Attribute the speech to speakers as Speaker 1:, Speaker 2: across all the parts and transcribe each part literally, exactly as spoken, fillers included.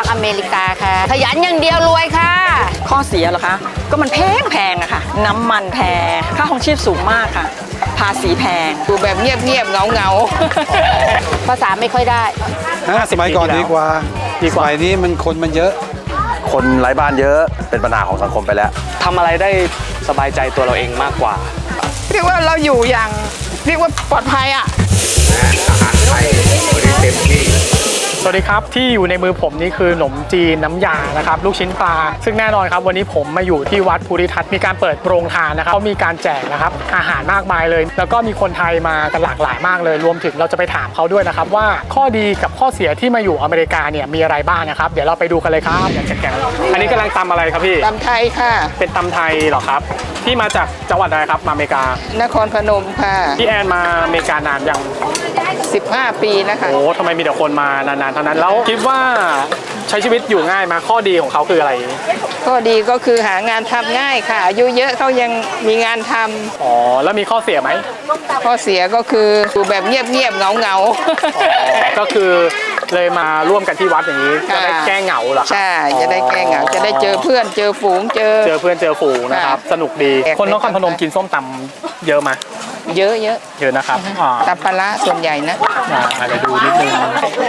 Speaker 1: อเมริกาค่ะขยันอย่างเดียวรวยค่ะ
Speaker 2: ข้อเสียเหรอคะก็มันแพงแพงอะค่ะน้ำมันแพงค่าครองชีพสูงมากค่ะภาษีแพง
Speaker 1: อยู่แบบเงียบๆเงาๆภาษาไม่ค่อยได้
Speaker 3: สมัยก่อนดีกว่าสมัยนี้มันคนมันเยอะ
Speaker 4: คนไร้บ้านเยอะเป็นปัญหาของสังคมไปแล้ว
Speaker 5: ทำอะไรได้สบายใจตัวเราเองมากกว่า
Speaker 1: เรียกว่าเราอยู่อย่างเรียกว่าปลอดภัยอ่ะ
Speaker 6: อาหารไทยเต็มที่
Speaker 5: สวัสดีครับที่อยู่ในมือผมนี่คือขนมจีนน้ำยานะครับลูกชิ้นปลาซึ่งแน่นอนครับวันนี้ผมมาอยู่ที่วัดภูริทัศน์มีการเปิดโรงทานนะครับเขามีการแจกนะครับอาหารมากมายเลยแล้วก็มีคนไทยมากันหลากหลายมากเลยรวมถึงเราจะไปถามเขาด้วยนะครับว่าข้อดีกับข้อเสียที่มาอยู่อเมริกาเนี่ยมีอะไรบ้างนะครับเดี๋ยวเราไปดูกันเลยครับอยากจะแกงอันนี้กำลังตำอะไรครับพี่
Speaker 1: ตำไทยค่ะ
Speaker 5: เป็นตำไทยเหรอครับที่มาจากจังหวัดอะไรครับมาอเมริกาน
Speaker 1: ครพนมค่ะ
Speaker 5: พี่แอนมาอเมริกานานยัง
Speaker 1: สิบห้าปีนะคะ
Speaker 5: โอ้ทำไมมีแต่คนมานานๆเท่านั้นแล้วคิดว่าใช้ชีวิตอยู่ง่ายมาข้อดีของเขาคืออะไร
Speaker 1: ข้อดีก็คือหางานทำง่ายค่ะอายุเยอะเขายังมีงานทำ
Speaker 5: อ๋อแล้วมีข้อเสียไหม
Speaker 1: ข้อเสียก็คืออยู่แบบเงียบๆเงา
Speaker 5: ๆก็คือเลยมาร่วมกันที่วัดอย่างนี้จะได้แก้เหงาเหรอ
Speaker 1: ใช่จะได้แก้เหงาจะได้เจอเพื่อนเจอฝูงเจอ
Speaker 5: เจอเพื่อนเจอฝูงนะครับสนุกดีคนนครพนมกินส้มตำเยอะไหม
Speaker 1: เยอะเยอะ
Speaker 5: เยอะนะครับ
Speaker 1: ตำปลาส่วนใหญ่นะ
Speaker 5: อาจจะดูนิดนึง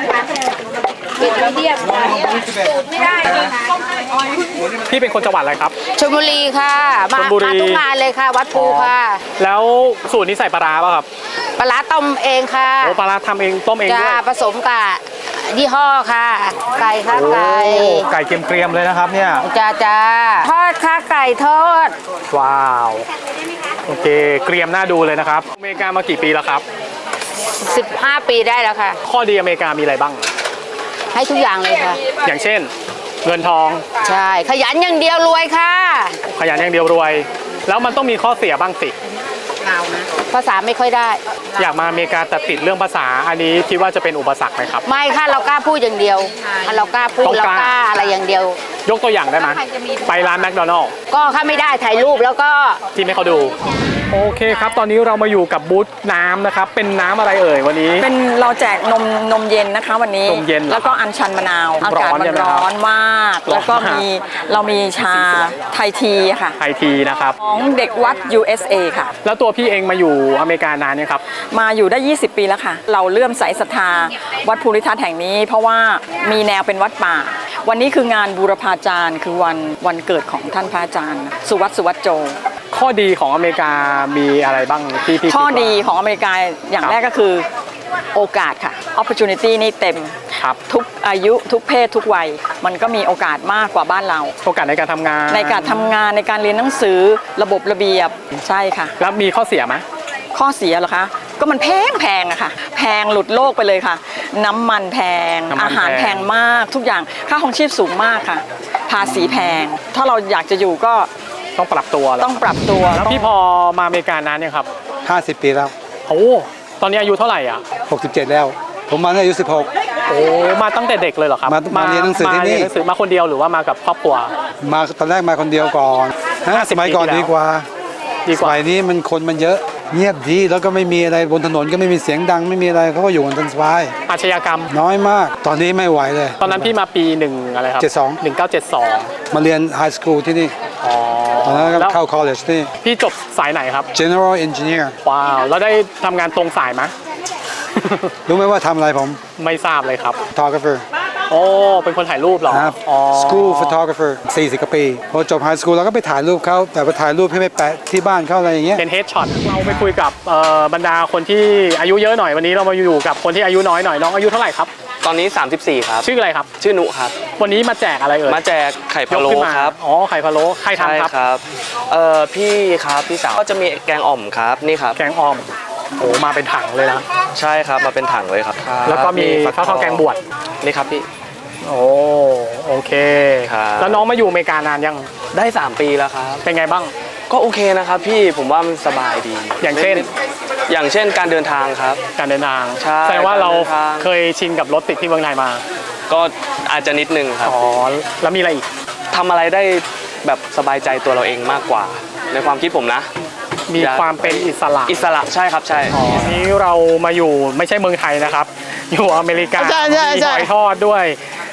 Speaker 5: พี่เป็นคนจังหวัดอะไรครับ
Speaker 1: ชลบุรีค่ะมาทุกงานเลยค่ะวัดภูค่ะ
Speaker 5: แล้วสูตรนี้ใส่ปลาร้าป่ะครับ
Speaker 1: ปลาร้าต้มเองค่ะ
Speaker 5: โอ้ปลาร้าทำเองต้มเองด้วย
Speaker 1: ผสมกับยี่ห้อค่ะไก่ค่ะไก่
Speaker 5: ไก่เกรียมๆเลยนะครับเนี่ย
Speaker 1: จ้าจ้าทอดค่ะไก่ทอด
Speaker 5: ว้าวโอเคเกรียมน่าดูเลยนะครับอเมริกามากี่ปีแล้วครับ
Speaker 1: สิบห้าปีได้แล้วค่ะ
Speaker 5: ข้อดีอเมริกามีอะไรบ้าง
Speaker 1: ให้ทุกอย่างเลยค่ะ
Speaker 5: อย่างเช่นเงินทอง
Speaker 1: ใช่ขยันอย่างเดียวรวยค่ะ
Speaker 5: ขยันอย่างเดียวรวยแล้วมันต้องมีข้อเสียบ้างสิ
Speaker 1: ภาษาไม่ค่อยได้
Speaker 5: อยากมาอเมริกาแต่ติดเรื่องภาษาอันนี้คิดว่าจะเป็นอุปสรรคไหมครับ
Speaker 1: ไม่ค่ะเรากล้าพูดอย่างเดียวเรากล้าพูดเรากล้าอะไรอย่างเดียวย
Speaker 5: กตัวอย่างได้ไหมไปร้านแมคโดนัลด์
Speaker 1: ก็ถ้าไม่ได้ถ่ายรูปแล้วก็
Speaker 5: ที่ไม่เขาดูโอเคครับตอนนี้เรามาอยู่กับบูธน้ำนะครับเป็นน้ำอะไรเอ่ยวันนี้
Speaker 2: เป็นเราแจกนมนมเย็นนะคะวันนี้
Speaker 5: นมเย็น
Speaker 2: แล้วก็อัญชันมะนาวอากาศมันร้อนมากแล้วก็มีเรามีชาไทยทีค่ะ
Speaker 5: ไทยทีนะครับ
Speaker 2: ของเด็กวัด ยู เอส เอ ค่ะ
Speaker 5: แล้วตัวพี่เองมาอยู่อเมริกานานเนี่ยครับ
Speaker 2: มาอยู่ได้ยี่สิบปีแล้วค่ะเราเลื่อมใสศรัทธาวัดภูริทัศน์แห่งนี้เพราะว่ามีแนวเป็นวัดป่าวันนี้คืองานบูรพาจารย์คือวันวันเกิดของท่านพระอาจารย์สุวัตสุวัตโจ
Speaker 5: ข้อดีของอเมริกามีอะไรบ้างที่พี่
Speaker 2: ข้อดีของอเมริกาอย่างแรกก็คือโอกาสค่ะ opportunity นี่เต็มทุกอายุทุกเพศทุกวัยมันก็มีโอกาสมากกว่าบ้านเรา
Speaker 5: โอกาสในการทำงาน
Speaker 2: ในการทำงานในการเรียนหนังสือระบบระเบียบใช่ค่ะ
Speaker 5: แล้วมีข้อเสียไหม
Speaker 2: ข้อเสียเหรอคะก็มันแพงแพงอะค่ะแพงหลุดโลกไปเลยค่ะน้ำมันแพงอาหารแพงมากทุกอย่างค่าครองชีพสูงมากค่ะภาษีแพงถ้าเราอยากจะอยู่ก็
Speaker 5: ต้องปรับตัว
Speaker 2: ต้องปรับตัว
Speaker 5: แล้วพี่พอมาอเมริกานานเนี่ยครับ
Speaker 3: ห้าสิบปีแล้ว
Speaker 5: โอ้ตอนนี้อายุเท่าไหร่อ่ะ
Speaker 3: หกสิบเจ็ดแล้วผมมาตั้งอายุสิบหก
Speaker 5: โอ้มาตั้งแต่เด็กเลยเหรอครับ
Speaker 3: มาเรียนหนังสือที่นี่
Speaker 5: มาคนเดียวหรือว่ามากับครอบครัว
Speaker 3: มาตอนแรกมาคนเดียวก่อนสมัยก่อนดีกว่าสมัยนี้มันคนมันเยอะเงียบดีแล้วก็ไม่มีอะไรบนถนนก็ไม่มีเสียงดังไม่มีอะไรเขาก็อยู่กันสบาย
Speaker 5: อาชญากรรม
Speaker 3: น้อยมากตอนนี้ไม่ไหวเลย
Speaker 5: ตอนนั้นพี่มาปีหนึ่งอะไรครับ
Speaker 3: เจ็ดสอง
Speaker 5: หนึ่งเก้าเจ็ดสอง
Speaker 3: มาเรียนไฮสคูลที่นี่ตอนนั้นเข้าคอลเลจนี่
Speaker 5: พี่จบสายไหนครับ
Speaker 3: General Engineer
Speaker 5: ว้าวแล้วได้ทำงานตรงสายไหม
Speaker 3: รู้ไหมว่าทำอะไรผม
Speaker 5: ไม่ทราบเลยครับ
Speaker 3: Photographer
Speaker 5: โอ้เป็นคนถ่ายรูปเหรอ
Speaker 3: ครับ School Photographer สี่สิบกว่าปีพอจบไฮสคูลเราก็ไปถ่ายรูปเขาแต่ไปถ่ายรูปให้ไปแปะที่บ้านเขาอะไรอย่างเงี้ย
Speaker 5: เป็นเฮดช็อตเราไปคุยกับบรรดาคนที่อายุเยอะหน่อยวันนี้เรามาอยู่กับคนที่อายุน้อยหน่อยน้องอายุเท่าไหร่ครับ
Speaker 7: ตอนนี้สามสิบสี่ครับ
Speaker 5: ชื่ออะไรครับ
Speaker 7: ชื่อนุครับ
Speaker 5: วันนี้มาแจกอะไรเอ่ย
Speaker 7: มาแจกไข่พะโล้ครับ
Speaker 5: อ๋อไข่พะโล้ใครทำครับ
Speaker 7: ครับเอ่อพี่ครับพี่สาวก็จะมีแกงอ่อมครับนี่ครับ
Speaker 5: แกงอ่อมโอ้มาเป็นถังเลยนะ
Speaker 7: ใช่ครับมาเป็นถังเลยครับ
Speaker 5: แล้วก็มีข้าวทอดแกงบวช
Speaker 7: นี่ครับพี่
Speaker 5: โอ้โอเคแล้วน้องมาอยู่อเมริกานานยัง
Speaker 7: ได้สามปีแล้วครับ
Speaker 5: เป็นไงบ้าง
Speaker 7: ก็โอเคนะครับพี่ผมว่ามันสบายดี
Speaker 5: อย่างเช่น
Speaker 7: อย่างเช่นการเดินทางครับ
Speaker 5: การเดินทาง
Speaker 7: ใช่
Speaker 5: แสดงว่าเราเคยชินกับรถติดที่เมืองไทยมา
Speaker 7: ก็อาจจะนิดนึงครับ
Speaker 5: อ๋อแล้วมีอะไรอีก
Speaker 7: ทำอะไรได้แบบสบายใจตัวเราเองมากกว่าในความคิดผมนะ
Speaker 5: มีความเป็นอิสระ
Speaker 7: อิสระใช่ครับใช่
Speaker 5: นี้เรามาอยู่ไม่ใช่เมืองไทยนะครับอยู่อเมริกามีหอยทอดด้วย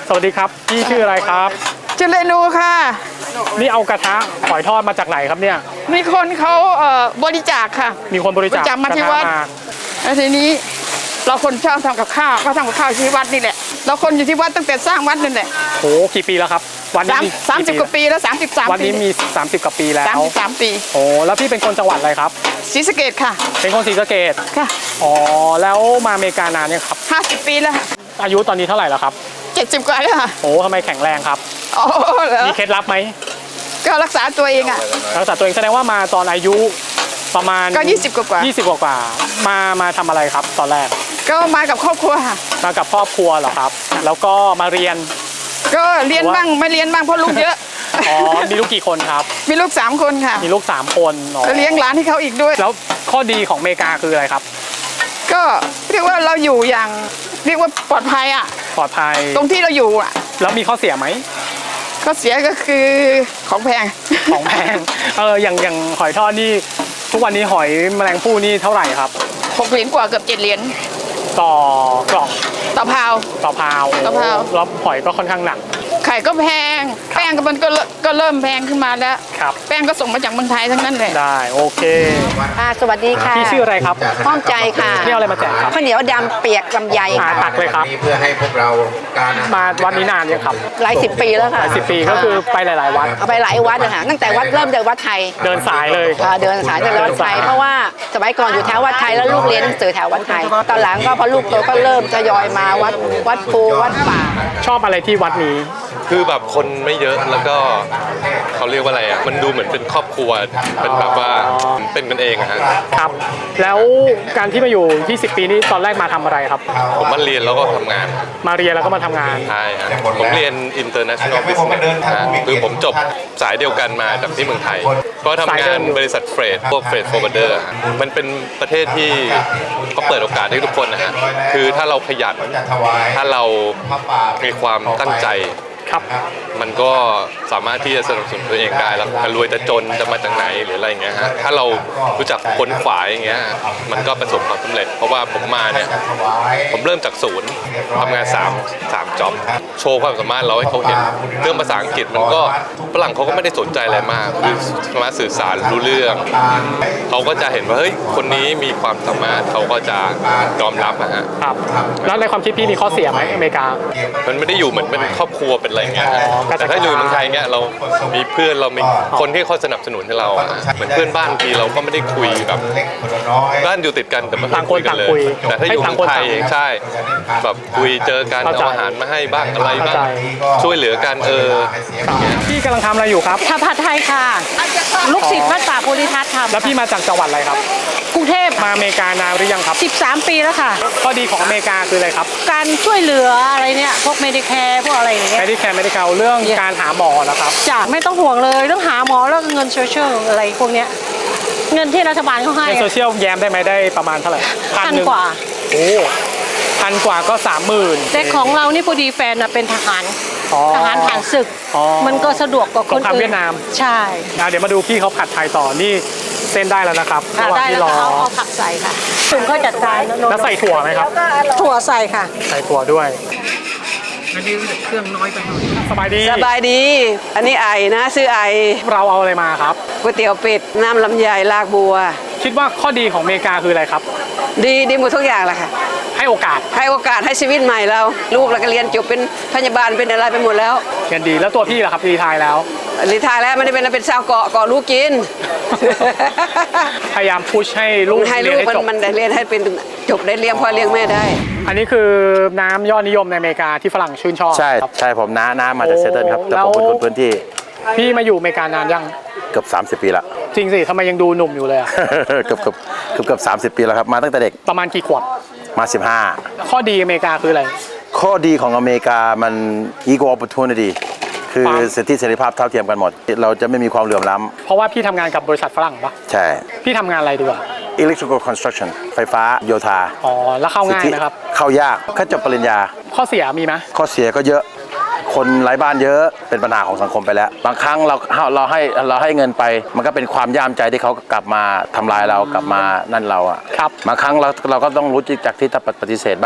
Speaker 5: สวัสดีครับพี่ชื่ออะไรครับ
Speaker 1: ชื่อเรนูค่ะ
Speaker 5: นี่เอากระทะหอยทอดมาจากไหนครับเนี่ย
Speaker 1: มีคนเขาเอ่อบริจาคค่ะ
Speaker 5: มีคนบริจาค
Speaker 1: บริจาคมาที่
Speaker 5: กระทะ
Speaker 1: วัด แล้วทีนี้เราคนชอบทำกับข้าวก็ทำกับข้าวที่วัดนี่แหละ เราคนอยู่ที่วัดตั้งแต่สร้างวัดนั่นแหละ
Speaker 5: โอ้กี่ปีแล้วครับวัน
Speaker 1: สา
Speaker 5: นี้
Speaker 1: มสามสิบกว่าปีแล้วสามสิบสาม
Speaker 5: วัน
Speaker 1: ปี
Speaker 5: นี้มีสามสิบกว่าปีแล้ว
Speaker 1: สามสิบสามปี
Speaker 5: โอ้แล้วพี่เป็นคนจังหวัดอะไรครับ
Speaker 1: ศรีสะเกษค่ะ
Speaker 5: เป็นคนศรีสะเกษ
Speaker 1: ค่ะ
Speaker 5: อ๋อแล้วมาอเมริกานานเนี่ยงครับ
Speaker 1: ห้าสิบปีแล้วค่ะ
Speaker 5: อายุตอนนี้เท่าไหร่แล้วครับ
Speaker 1: เจ็ดสิบกว่าแล้วค่ะ
Speaker 5: โอ้ทำไมแข็งแรงครับ
Speaker 1: อ๋อเหรอ
Speaker 5: มีเคล็ดลับไหม
Speaker 1: ก็รักษาตัวเองอ่ะ
Speaker 5: รักษาตัวเองแสดงว่ามาตอนอายุประมาณ
Speaker 1: ก็ยี่สิบกว่าๆ
Speaker 5: ยี่สิบกว่าๆมามาทำอะไรครับตอนแรก
Speaker 1: ก็มากับครอบครัวค่ะ
Speaker 5: มากับครอบครัวเหรอครับ แล้วก็มาเรียน
Speaker 1: ก็เรียนบ้างไม่เรียนบ้างเพราะลูกเยอะ
Speaker 5: อ๋อมีลูกกี่คนครับ
Speaker 1: มีลูกสามคนค่ะ
Speaker 5: มีลูกสามคนอ๋อ
Speaker 1: แล้วเลี้ยงหลานให้เขาอีกด้วย
Speaker 5: แล้วข้อดีของอเมริกาคืออะไรครับ
Speaker 1: ก็เรียกว่าเราอยู่อย่างเรียกว่าปลอดภัยอ่ะ
Speaker 5: ปลอดภัย
Speaker 1: ตรงที่เราอยู่อ่ะ
Speaker 5: แล้วมีข้อเสียไหม
Speaker 1: ข้อเสียก็คือของแพง
Speaker 5: ของแพง เอออย่างอย่างหอยทอดนี่ทุกวันนี้หอยแมลงภู่นี่เท่าไหร่ครับ
Speaker 1: หกเหรียญกว่าเกือบเจ็ดเหรียญ
Speaker 5: ต่อกล่อง
Speaker 1: ต่อพาว
Speaker 5: ต่อพาว
Speaker 1: ต่อพาว
Speaker 5: แล้วหอยก็ค่อนข้างหนัก
Speaker 1: ไข่ก็แพง แป้งก็มันก็เริ่มก็เริ่มแพงขึ้นมาแล้ว
Speaker 5: ครับ
Speaker 1: แป้งก็ส่งมาจากเมืองไทยทั้งนั้นเลย
Speaker 5: ได้โอเค
Speaker 8: อ่าสวัสดีค่ะ
Speaker 5: พี่ชื่ออะไรครับ
Speaker 8: ห้อมใจค่ะ
Speaker 5: พี่เอาอะไรมาแจกครับ
Speaker 8: ข้าวเหนียวดำเปียกลำไย
Speaker 5: อ่า
Speaker 8: ค่ะ
Speaker 5: ตักเลยครับ
Speaker 6: เพื่อให้พวกเราการ
Speaker 5: มาวัดนี้นานยังครับ
Speaker 8: หลายสิบปีแล้วค่ะ
Speaker 5: สิบปีก็คือไปหลาย ๆ วัด
Speaker 8: เอาไปหลายวัดนะคะตั้งแต่วัดเริ่มจากวัดไทย
Speaker 5: เดินสายเลย
Speaker 8: อ่าเดินสายจากวัดไทย เพราะว่าสมัยก่อนอยู่แถววัดไทยแล้วลูกเรียนหนังสือแถววัดไทย ตอนหลังก็พอลูกโตก็เริ่มทยอยมาวัดวัดภูวัดป่า
Speaker 5: ชอบอะไรที่วัดนี้
Speaker 9: คือแบบคนไม่เยอะแล้วก็เขาเรียกว่าอะไรอ่ะมันดูเหมือนเป็นครอบครัวเป็นแบบว่าเป็นกันเองอะฮะ
Speaker 5: ครับ แล้วการที่มาอยู่ยี่สิบปีนี้ตอนแรกมาทำอะไรครับ
Speaker 9: ผมมาเรียนแล้วก็ทำงาน
Speaker 5: มาเรียนแล้วก็มาทำงาน
Speaker 9: ใช่ฮะผมเรียน international business ฮะคือผมจบสายเดียวกันมาจากที่เมืองไทย ก็ทำงานบริษัทเฟรดพวกเฟรดโฟร์เดอร์มันเป็นประเทศที่เขาเปิดโอกาสให้ทุกคนนะฮะคือถ้าเราขยันถ้าเรามีความตั้งใจ
Speaker 5: ครับ
Speaker 9: มันก็สามารถที่จะสนับสนุนตัวเองได้แล้วจะรวยจะจนจะมาจากไหนหรืออะไรอย่างเงี้ยฮะถ้าเรารู้จักค้นขวายอย่างเงี้ยมันก็ประสบความสำเร็จ เพราะว่าผมมาเนี่ยผมเริ่มจากศูนย์ทำงาน3 3จ็อบโชว์ความสามารถเราให้เขาเห็นเรื่องภาษาอังกฤษมันก็ฝรั่งเขาก็ไม่ได้สนใจอะไรมากคือสามารถสื่อสารรู้เรื่องเขาก็จะเห็นว่าเฮ้ยคนนี้มีความสามารถเขาก็จะยอมรับนะฮะ
Speaker 5: ครับ แล้วในความคิดพี่มีข้อเสียไหมอเมริกา
Speaker 9: มันไม่ได้อยู่เหมือนเป็นครอบครัวเป็นอะไรเงี้ยฮะ
Speaker 5: อ๋อก็จะ
Speaker 9: แต่ถ้าอยู่เมืองไทยเงี้ยเรามีเพื่อนเรามีคนที่เขาสนับสนุนให้เราอะเหมือนเพื่อนบ้านทีเราก็ไม่ได้คุยแบบบ้านอยู่ติดกันแต่ไม่ค่อยคุยกันเลย แต่ถ้าอยู่เมืองไทยเองใช่แบบคุยเจอกันเอาอาหารมาให้บ้างอะไรบ้างช่วยเหลือกันเออ
Speaker 5: พี่กำลังทำอะไรอยู่ครับ
Speaker 8: ทำผัดไทยค่ะ ลูกศิษย์วัดป่าโพธิทัศน์ค่ะ
Speaker 5: แล้วพี่มาจากจังหวัดอะไรครับ
Speaker 8: กรุงเทพ
Speaker 5: มาอเมริกานานหรือยังครับ
Speaker 8: สิบสามปีแล้วค่ะ
Speaker 5: ข้อดีของอเมริกาคืออะไรครับ
Speaker 8: การช่วยเหลืออะไรเนี่ย พวกเมดิแคร์พวกอะไรอย่างเงี้ย
Speaker 5: ไม่ได้แคร์ไม่ได้เกาเรื่องการหาหมอนะครับ
Speaker 8: จ้ะไม่ต้องห่วงเลยเรื่องหาหมอแล้วก็เงินโซเชียลอะไรพวกเนี้ย เงินที่รัฐบาลเขาให้
Speaker 5: ในโซเชียลแย้มได้ไหมได้ประมาณเท่าไหร่
Speaker 8: พัน
Speaker 5: หง
Speaker 8: กว่า
Speaker 5: โอ้พันกว่าก็สามหมื่น
Speaker 8: แต่ของเรานี่พอดีแฟนน่ะเป็นทหาร
Speaker 5: อ๋อ
Speaker 8: ทหารผ่านศึก
Speaker 5: อ๋อ
Speaker 8: มันก็สะดวกกว่าคน
Speaker 5: สงคราม
Speaker 8: อื่น
Speaker 5: เวียดนาม
Speaker 8: ใช่
Speaker 5: อ่ะเดี๋ยวมาดูพี่เขาผัดไทยต่อนี่เส้นได้แล้วนะครับ
Speaker 8: ค่ะ
Speaker 5: ระหว่าง
Speaker 8: ได้
Speaker 5: ที่
Speaker 8: แล้ว
Speaker 5: รอ
Speaker 8: ค่ะเอาเอาผักใส่ค่ะถุงเขาจัดการนะโน
Speaker 5: แล้วใส่ถั่วไหมครับ
Speaker 8: ถั่วใส่ค่ะ
Speaker 5: ใส่ถั่วด้วยเครื่องน้อยไปหน่อยสบายดี
Speaker 10: สบายดี อันนี้ไอนะซื้อไอ
Speaker 5: เราเอาอะไรมาครับ
Speaker 10: ก๋วยเตี๋ยวเป็ด น้ำลำไยลากบัว
Speaker 5: คิดว่าข้อดีของอเมริกาคืออะไรครับ
Speaker 10: ดีดีหมดทุกอย่างแหละค่ะ
Speaker 5: ให้โอกาส
Speaker 10: ให้โอกาสให้ชีวิตใหม่เรา ลูกเราก็เรียนจบเป็นพยาบาลเป็นอะไรไปหมดแล้ว
Speaker 5: เงินดีแล้วตัวพี่ล่ะครับรีไทายแล้ว
Speaker 10: รีไทายแล้วไม่ได้เป็นอะไรเป็นชาวเกาะเกาะลูกกิน
Speaker 5: พยายามพุชให้ลูก
Speaker 10: ให้
Speaker 5: เรี
Speaker 10: ลู
Speaker 5: ยน
Speaker 10: ก
Speaker 5: ให้
Speaker 10: มัน
Speaker 5: จบ
Speaker 10: มันได้เรียนให้เป็นจบได้เลี้ยงพ่อเลี้ยงแม่ได้
Speaker 5: อันนี้คือน้ำยอดนิยมในอเมริกาที่ฝรั่งชื่นชอบ
Speaker 4: ใช่
Speaker 5: ครับ
Speaker 4: ใช่ผมน้าน้ามาจากเซตเทิลครับ
Speaker 5: โอ้
Speaker 4: แต่ผมเป็น
Speaker 5: แล้ว
Speaker 4: คนพื้นที่
Speaker 5: พี่มาอยู่อเมริกานานยัง
Speaker 4: เกือบสามสิบปีละ
Speaker 5: จริงสิทำไมยังดูหนุ่มอยู่เลยอะ
Speaker 4: เกือบเกือบเกือบเกือบสามสิบปีแล้วครับมาตั้งแต่เด็ก
Speaker 5: ประมาณกี่ขวบ
Speaker 4: มาสิบห้า
Speaker 5: ข้อดีอเมริกาคืออะไร
Speaker 4: ข้อดีของอเมริกามัน equal opportunity คือ
Speaker 5: ความ
Speaker 4: สิทธิเสรีภาพเท่าเทียมกันหมด เราจะไม่มีความเหลื่อมล้
Speaker 5: เพราะว่าพี่ทำงานกับบริษัทฝรั่งปะ
Speaker 4: ำใช่
Speaker 5: พี่ทำงานอะไรดีกว่า
Speaker 4: electrical construction ไฟฟ้าโยธา
Speaker 5: อ๋อแล้วเข้าง่าย
Speaker 4: สิทธิ
Speaker 5: นะครับ
Speaker 4: เข้ายากแค่จบปริญญา
Speaker 5: ข้อเสียมีไหม
Speaker 4: ข้อเสียก็เยอะ คนไร้บ้านเยอะเป็นปัญหาของสังคมไปแล้ว บางครั้งเราเราให้เราให้เงินไป มันก็เป็นความย่ามใจที่เขากลับมาทำลายเรากลับมานั่นเราอะ
Speaker 5: ครับ
Speaker 4: บางครั้งเราเราก็ต้องรู้จักที่จะปฏิเสธบ้าง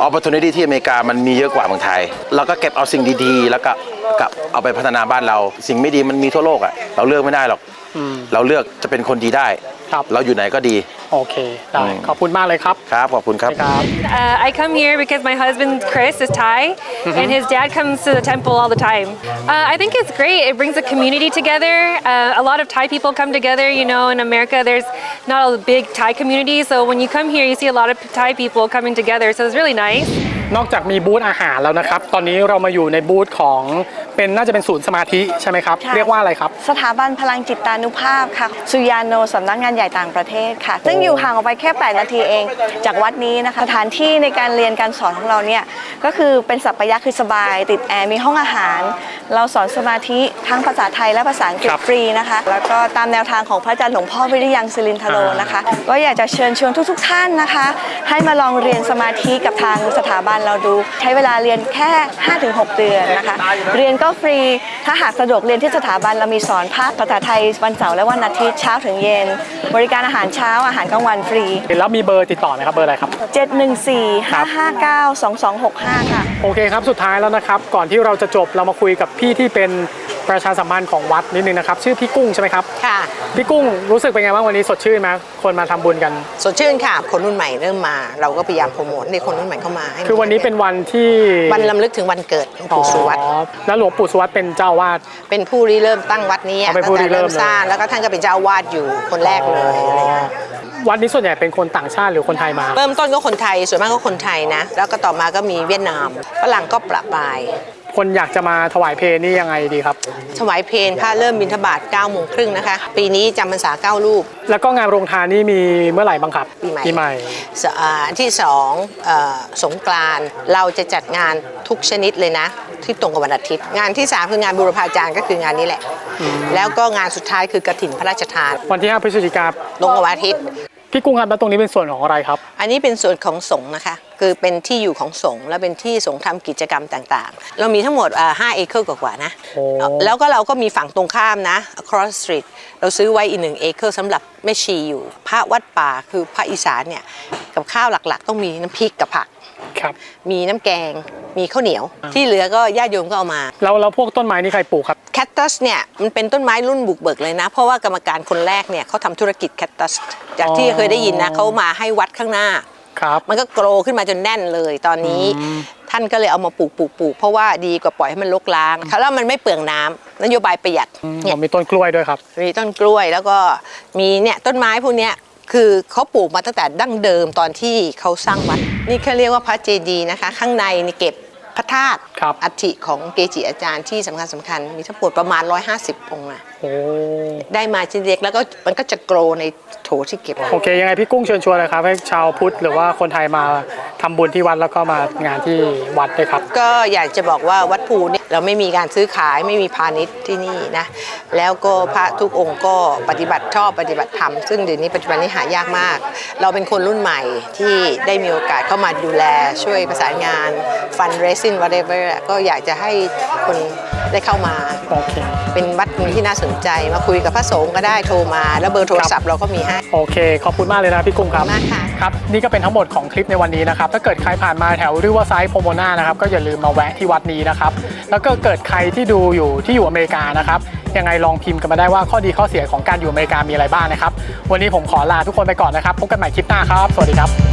Speaker 4: opportunity ที่อเมริกามันมีเยอะกว่าเมืองไทยเราก็เก็บเอาสิ่งดีๆแล้วก็กับเอาไปพัฒนาบ้านเราสิ่งไม่ดีมันมีทั่วโลกอ่ะเราเลือกไม่ได้หรอกเราเลือกจะเป็นคนดีได้เราอยู่ไหนก็ดี
Speaker 5: โอเคได้ขอบคุณมากเลยครับ
Speaker 4: ครับขอบคุณครับ
Speaker 11: uh, I come here because my husband Chris is Thai mm-hmm. and his dad comes to the temple all the time. uh, I think it's great. It brings the community together. Uh, a lot of Thai people come together. You know, in America there's not a big Thai community, so when you come here you see a lot of Thai people coming together, so it's really nice.
Speaker 5: นอกจากมีบูธอาหารแล้วนะครับตอนนี้เรามาอยู่ในบูธของเป็นน่าจะเป็นศูนย์สมาธิใช่ไหมครับเรียกว่าอะไรครับ
Speaker 12: สถาบันพลังจิตานุภาพค่ะสุยาโนสำนักงานใหญ่ต่างประเทศค่ะซึ่งอยู่ห่างออกไปแค่แปดนาทีเองจากวัดนี้นะคะสถานที่ในการเรียนการสอนของเราเนี่ยก็คือเป็นสัพพยะคือสบายติดแอร์มีห้องอาหารเราสอนสมาธิทั้งภาษาไทยและภาษาอังกฤษฟรีนะคะแล้วก็ตามแนวทางของพระอาจารย์หลวงพ่อวิริยังศิรินทโรนะคะก็อยากจะเชิญชวนทุกๆท่านนะคะให้มาลองเรียนสมาธิกับทางสถาบันเราดูใช้เวลาเรียนแค่ ห้าถึงหก เดือนนะคะเรียนก็ฟรีถ้าหากสะดวกเรียนที่สถาบันเรามีสอนภาษาไทยวันเสาร์และวันอาทิตย์เช้าถึงเย็นบริการอาหารเช้าอาหารกลางวันฟรี
Speaker 5: แล้วมีเบอร์ติดต่อไหมครับเบอร์อะไรครับ
Speaker 12: เจ็ดหนึ่งสี่ ห้าห้าเก้า สองสองหกห้าค่ะ
Speaker 5: โอเคครับสุดท้ายแล้วนะครับก่อนที่เราจะจบเรามาคุยกับพี่ที่เป็นประชาสัมพันธ์ของวัดนิดนึงนะครับชื่อพี่กุ้งใช่ไหมครับ
Speaker 13: ค่ะ
Speaker 5: พี่กุ้งรู้สึกเป็นไงบ้างวันนี้สดชื่นไหมคนมาทำบุญกัน
Speaker 13: สดชื่นค่ะคนรุ่นใหม่เริ่มมาเราก็พยายามโปรโมทให้คนรุ่นใหม่เข้ามาให้
Speaker 5: คือวันนี้เป็นวันที่
Speaker 13: วันรำลึกถึงวันเกิดหลวงปู่สุวัต
Speaker 5: แล้วหลวงปู่สุวัตเป็นเจ้าวาด
Speaker 13: เป็นผู้ริเริ่มตั้งวัดนี้ตั้งแต่เริ่มสร้างแล้วก็ท่านก็เป็นเจ้าวาดอยู่คนแรกเลยอะไรเงี้ย
Speaker 5: วัดนี้ส่วนใหญ่เป็นคนต่างชาติหรือคนไทยมา
Speaker 13: เริ่มต้นก็คนไทยส่วนมากก็คนไทยนะแล้วก็ต่อมาก็มีเวียดนามฝรั่งก็ประปราย
Speaker 5: คนอยากจะมาถวายเพลนี่ยังไงดีครับ
Speaker 13: ถวายเพลพระเริ่มบิณฑบาตเก้าโมงครึ่งนะคะปีนี้จำพรรษาเก้ารูป
Speaker 5: แล้วก็งานโรงทานนี่มีเมื่อไหร่บ้างครับ
Speaker 13: ปีใหม่
Speaker 5: ปีใหม่
Speaker 13: ที่สองสงกรานต์เราจะจัดงานทุกชนิดเลยนะที่ตรงกับวันอาทิตย์งานที่สามคืองานบูรพาจารย์ก็คืองานนี้แหละแล้วก็งานสุดท้ายคือกฐินพระราชทาน
Speaker 5: วันที่ห้าพฤศจิกายน
Speaker 13: ตรงกับวันอาทิตย์
Speaker 5: พี่กุ้งครับแล้วตรงนี้เป็นส่วนของอะไรครับ
Speaker 13: อันนี้เป็นส่วนของสงฆ์นะคะคือเป็นที่อยู่ของสงฆ์และเป็นที่สงฆ์ทำกิจกรรมต่างๆเรามีทั้งหมดห้าเอเคอร์กว่าๆนะแล้วก็เราก็มีฝั่งตรงข้ามนะ across street เราซื้อไว้อีกหนึ่งเอเคอร์สำหรับแม่ชีอยู่พระวัดป่าคือพระอีสานเนี่ยกับข้าวหลักๆต้องมีน้ำพริกกับผักมีน้ำแกงมีข้าวเหนียวที่เหลือก็ญาติโยมก็เอามา
Speaker 5: แล้วแล้วพวกต้นไม้นี่ใครปลูกครับ
Speaker 13: แคคตัสเนี่ยมันเป็นต้นไม้รุ่นบุกเบิกเลยนะเพราะว่ากรรมการคนแรกเนี่ยเขาทำธุรกิจแคคตัสจากที่เคยได้ยินนะเขามาให้วัดข้างหน้ามันก็โกรขึ้นมาจนแน่นเลยตอนนี้ท่านก็เลยเอามาปลูกปลูกปลูกเพราะว่าดีกว่าปล่อยให้มันรกร้างแล้วมันไม่เปลืองน้ำนโยบายประหยัด
Speaker 5: เนี่ยมีต้นกล้วยด้วยครับ
Speaker 13: มีต้นกล้วยแล้วก็มีเนี่ยต้นไม้พวกเนี้ยคือเขาปลูกมาตั้งแต่ดั้งเดิมตอนที่เขาสร้างวัดนี่เขาเรียกว่าพระเจดีย์นะคะข้างในนี่เก็บพระธาตุอัฐิของเกจิอาจารย์ที่สำคัญสำคัญมีทั้งหมดประมาณหนึ่งร้อยห้าสิบองค์นะได้มาชิ้นเล็กแล้วก็มันก็จะโกรในโถที่เก็บ
Speaker 5: โอเคยังไงพี่กุ้งเชิญชวนเลยครับให้ชาวพุทธหรือว่าคนไทยมาทำบุญที่วัดแล้วก็มางานที่วัดด้วยครับ
Speaker 13: ก็อยากจะบอกว่าวัดภูเนี่ยเราไม่มีการซื้อขายไม่มีพาณิชย์ที่นี่นะแล้วก็พระทุกองค์ก็ปฏิบัติชอบปฏิบัติธรรมซึ่งเดี๋ยวนี้ปัจจุบันนี้หายากมากเราเป็นคนรุ่นใหม่ที่ได้มีโอกาสเข้ามาดูแลช่วยประสานงานฟันเรซิ่ง whatever ก็อยากจะให้คนได้เข้ามาเป็นวัดที่น่าสนใจมาคุยกับพระสงฆ์ก็ได้โทรมาแล้วเบอร์โทรศัพท์เราก็มีให้
Speaker 5: โอเคขอบคุณมากเลยนะพี่กุ้งครับ
Speaker 13: มากค่ะ
Speaker 5: ครับนี่ก็เป็นทั้งหมดของคลิปในวันนี้นะครับถ้าเกิดใครผ่านมาแถวริเวอร์ไซด์โพโมนานะครับก็อย่าลืมมาแวะที่วัดนี้นะครับแล้วก็เกิดใครที่ดูอยู่ที่อยู่อเมริกานะครับยังไงลองพิมพ์กันมาได้ว่าข้อดีข้อเสียของการอยู่อเมริกามีอะไรบ้างนะครับวันนี้ผมขอลาทุกคนไปก่อนนะครับพบกันใหม่คลิปหน้าครับสวัสดีครับ